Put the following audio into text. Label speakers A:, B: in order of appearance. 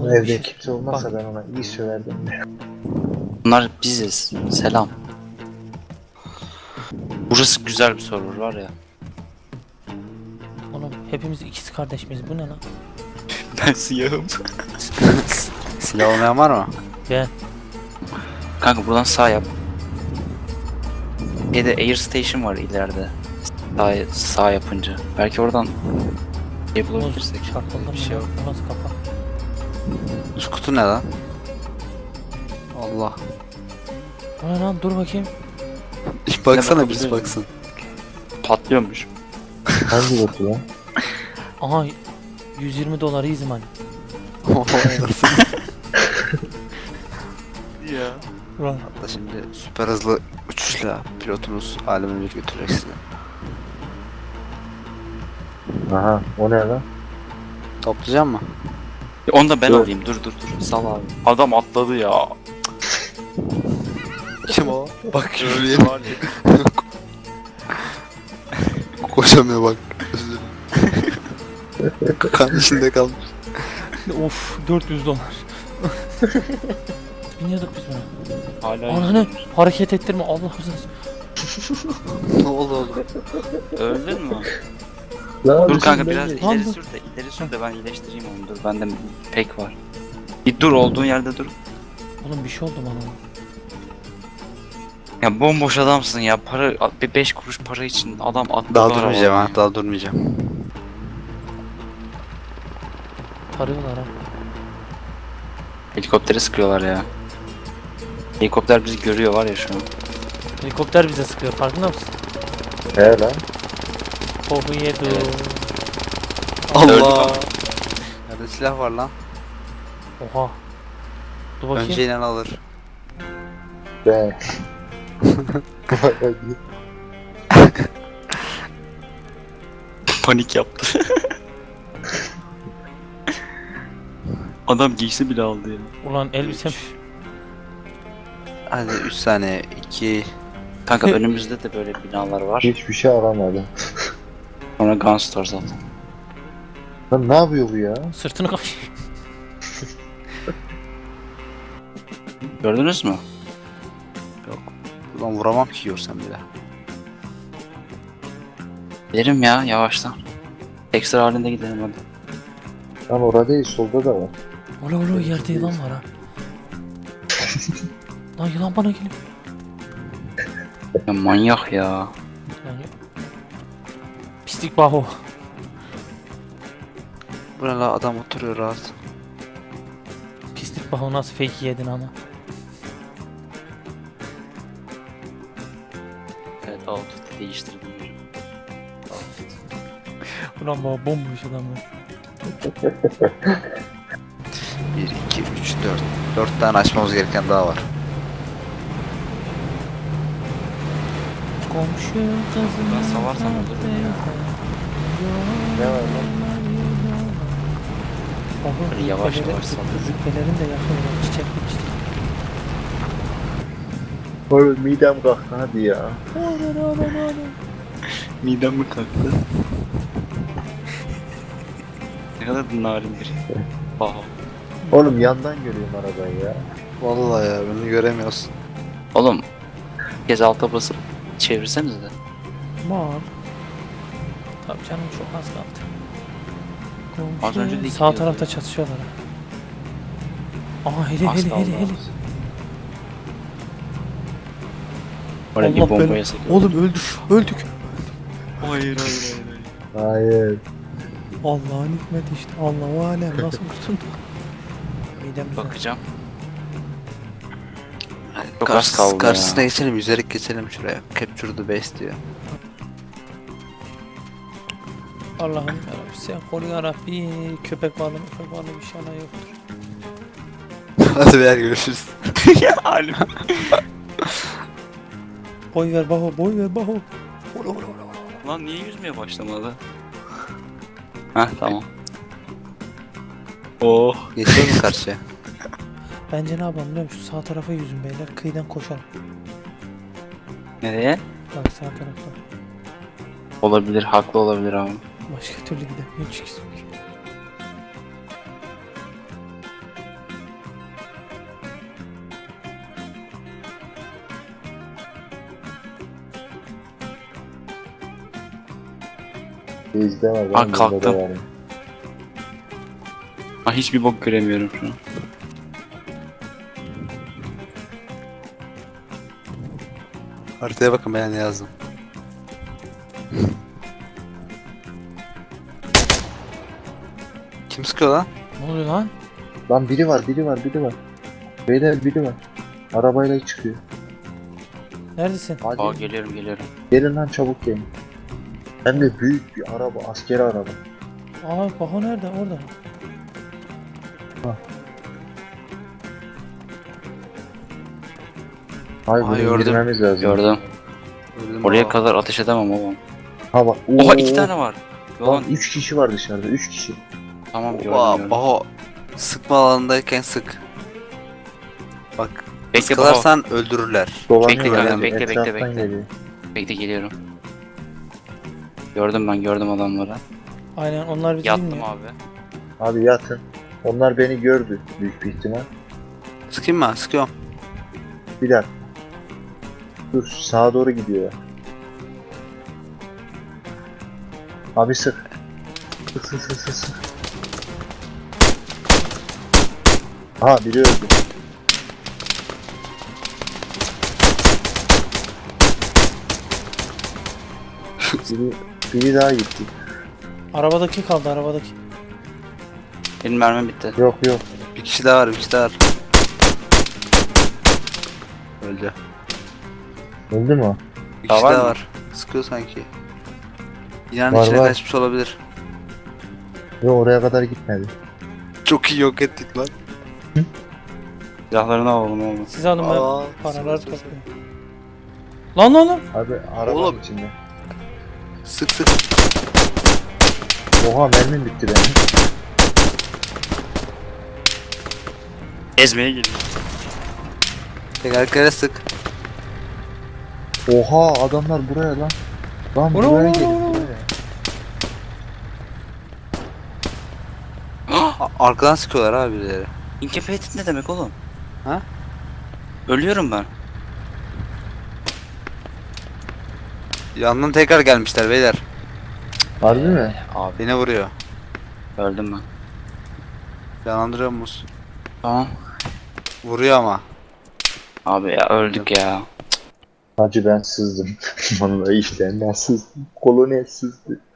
A: Oğlum bir
B: Evde
A: şey...
B: kimse olmazsa
A: Bak,
B: ben ona iyi söylerdim.
C: Bunlar biziz. Selam. Burası güzel bir server var ya.
A: oğlum hepimiz ikiz kardeş miyiz? Bu ne lan?
C: Ben siyahım.
D: Silah olmayan var mı?
A: Ben.
C: Kanka buradan sağ yap. Bir de air station var ileride. Sağ yapınca. Belki oradan bulabilirsek.
A: Çarpıldım
C: Bir şey
A: ya.
C: yok.
A: Bu nasıl kafa?
D: Şu kutu ne lan? Allah.
A: O ne lan? Dur bakayım.
D: Bir baksana
C: bakabilir
D: bir
C: miyim?
D: baksın.
C: Patlıyormuş.
B: Hangi botu lan?
A: Aha 120 dolar easy money.
C: Ya.
A: Ulan
D: Hatta şimdi süper hızlı uçuşla pilotumuz aleme bir götürecek sizi.
B: Aha o ne lan?
D: Toplayacak mı?
C: Onu da ben
B: Dur.
C: alayım. Dur. Sal abi. Adam atladı ya.
D: Kim o? Bak şuraya
C: Var ya.
D: koşamıyor bak. Kan içinde kalmış.
A: of 400 dolar. Biniyorduk biz buna.
C: Hala
A: Ananı hareket ettirme Allah rızası.
D: Ne oldu oğlum?
C: öldün mü?
B: Lan
C: Dur kanka
B: şimdi
C: biraz
B: ben-
C: ileri sür de ben iyileştireyim onu. Dur bende pek var. Bir dur olduğun yerde dur.
A: Oğlum bir şey oldu bana.
C: Ya bomboş adamsın ya. Para bir 5 kuruş para için adam atladı.
D: Daha durmayacağım
C: arabadan
D: ha, daha durmayacağım.
A: Tarıyorlar ha.
C: Helikoptere sıkıyorlar ya. Helikopter bizi görüyor var ya şu an.
A: Helikopter bize sıkıyor farkında mısın?
B: He lan.
A: Tohu yedi.
C: Evet.
D: Allah! Nerede silah var lan?
A: Oha. Dur bakayım.
D: Önce inen alır.
B: Ben.
C: Panik yaptı. Adam giysi bile aldı ya.
A: Ulan elbisem.
D: Hadi 3 saniye, 2...
C: Kanka önümüzde de böyle binalar var.
B: Hiçbir şey aramadım.
C: Sonra Gunstar zaten.
B: Lan ne yapıyor bu ya?
A: Sırtını kaş.
C: Gördünüz mü?
D: Yok. Ulan vuramam ki görsem bile.
C: Gidelim ya yavaştan. Ekstra halinde gidelim hadi.
B: Lan orada değil solda da var.
A: Ola yerde yılan var ha. Lan yılan bana geliyor.
C: Ya manyak ya.
A: Yani... Pislik baho.
D: Burada adam oturuyor rahat.
A: Pislik baho nasıl fake yedin ama.
C: Evet outfit'i değiştirdim.
A: Ulan baba bomboş adam ya.
D: 1, 2, 3, 4. 4 tane açmamız gereken daha var.
A: Komşu kızım.
C: Ben savarsam olur mu ya?
B: Ne var lan?
A: Baba
C: Böyle yavaş
A: rütbeleri-
C: yavaş sallıyor.
A: Rütbelerin de yakıyorlar çiçekli çiçek.
B: Oğlum midem kalktı hadi ya.
C: Midem mi kalktı? Ne kadar narin bir. Aha.
B: Oğlum yandan görüyorum arabayı ya.
D: Vallahi ya beni göremiyorsun.
C: Oğlum. Bir kez alta basıp çevirsenize de.
A: Var. Tabii canım çok az kaldı.
C: Az önce de
A: Sağ
C: gidiyordu
A: tarafta
C: ya.
A: çatışıyorlar. Aha hele
C: Az
A: hele
C: kaldı
A: hele hele.
C: az. Oraya bir
A: Allah
C: bombaya
A: belanı-
C: sıkıyor.
A: Oğlum öldük.
C: Hayır.
B: Hayır.
A: Allah'ın hikmeti işte. Allahu alem nasıl kurtulduk? Midem güzel.
C: Bakacağım. Çok az kaldı
D: Karşısına
C: ya.
D: geçelim, yüzerek geçelim şuraya. Capture the base diyor.
A: Allah'ım yarabbim sen koru yarabbi. Köpek balığı inşallah yoktur.
D: Hadi beyler görüşürüz.
C: Ya halim.
A: Boy ver baho boy ver baho.
C: Lan niye yüzmeye başlamadı? Heh tamam. Oh.
D: Geçelim mi karşıya?
A: Bence ne yapalım biliyor musun? Şu sağ tarafa yüzün beyler kıyıdan koşalım.
C: Nereye?
A: Bak sağ tarafta.
C: Olabilir, haklı olabilir abi.
A: Başka türlü gidemiyor çünkü.
B: Bizde var.
C: Aa,
B: benim bunda da
C: kalktım.
B: var.
C: Ha, hiçbir bok göremiyorum şu an.
D: Haritaya bakın ben ne yazdım. Kim sıkıyor lan?
A: Ne oluyor lan?
B: Lan biri var. Beyler biri var. Arabayla çıkıyor.
A: Neredesin?
B: Hadi
C: Aa, geliyorum.
B: gelin lan çabuk gelin. Hem de büyük bir araba, askeri araba.
A: Aa bak o nerede? Orada.
B: Hayır
C: Aa,
B: bunu
C: gördüm.
B: indirmemiz lazım.
C: Gördüm.
D: Öldüm
C: Oraya
D: baba.
C: kadar ateş edemem oğlum.
B: Ha bak.
C: Oha, 2 tane var.
B: Lan
C: Yalan.
B: 3 kişi var dışarıda, 3 kişi.
C: Tamam, gördüm.
D: Oha, oha. Sıkma alanındayken sık. Bak.
C: Bekle Baho.
D: Sıkılarsan öldürürler.
B: Dolanıyorlar
C: kanka,
B: yani,
C: bekle,
B: etraftan
C: bekle.
B: geliyor.
C: Bekle, geliyorum. Gördüm adamları.
A: Aynen onlar bizi
C: Yattım
A: dinliyor.
C: abi.
B: Abi yatın. Onlar beni gördü büyük bir ihtimal.
D: Sıkayım mı? Sıkıyorum.
B: Bir dakika. Dur sağa doğru gidiyor. Abi sık. Sık. Ha biri öldü. biri daha gitti.
A: Arabadaki kaldı arabadaki.
C: Benim mermim bitti.
B: Yok.
D: Bir kişi daha var. Öldü.
B: Öldü mü? o?
D: Bir
C: Daha
D: kişi
C: var
D: daha
C: mı?
D: var. Sıkıyor sanki. İnan
B: Var,
D: içine
B: var.
D: kaçmış olabilir.
B: Yok oraya kadar gitmedi.
D: Çok iyi yok ettik lan.
C: Silahlarını alalım oğlum.
A: Siz alın ben
D: Aa,
A: paraları
D: sık.
A: toplayayım. Lan.
B: Abi arabanın
D: Oğlum.
B: içinde.
D: Sık.
B: Oha mermim bitti benim.
C: Ezmeye geliyor.
D: Tekerleklere sık.
B: Oha adamlar buraya lan. Lan
A: Ora,
B: buraya
A: ora,
B: gelin
A: ora.
B: buraya.
D: Arkadan sıkıyorlar abi birileri.
C: Incapacitated ne demek oğlum?
D: Ha?
C: Ölüyorum ben.
D: Yandan tekrar gelmişler beyler.
B: Harbi mi?
C: Abi
D: Beni vuruyor.
C: öldüm ben.
D: Yanlandırıyor musun?
C: Tamam.
D: Vuruyor ama.
C: Abi ya öldük ya.
B: Hacı ben sızdım. Vallahi işte ben sızdım. Kolonel sızdı.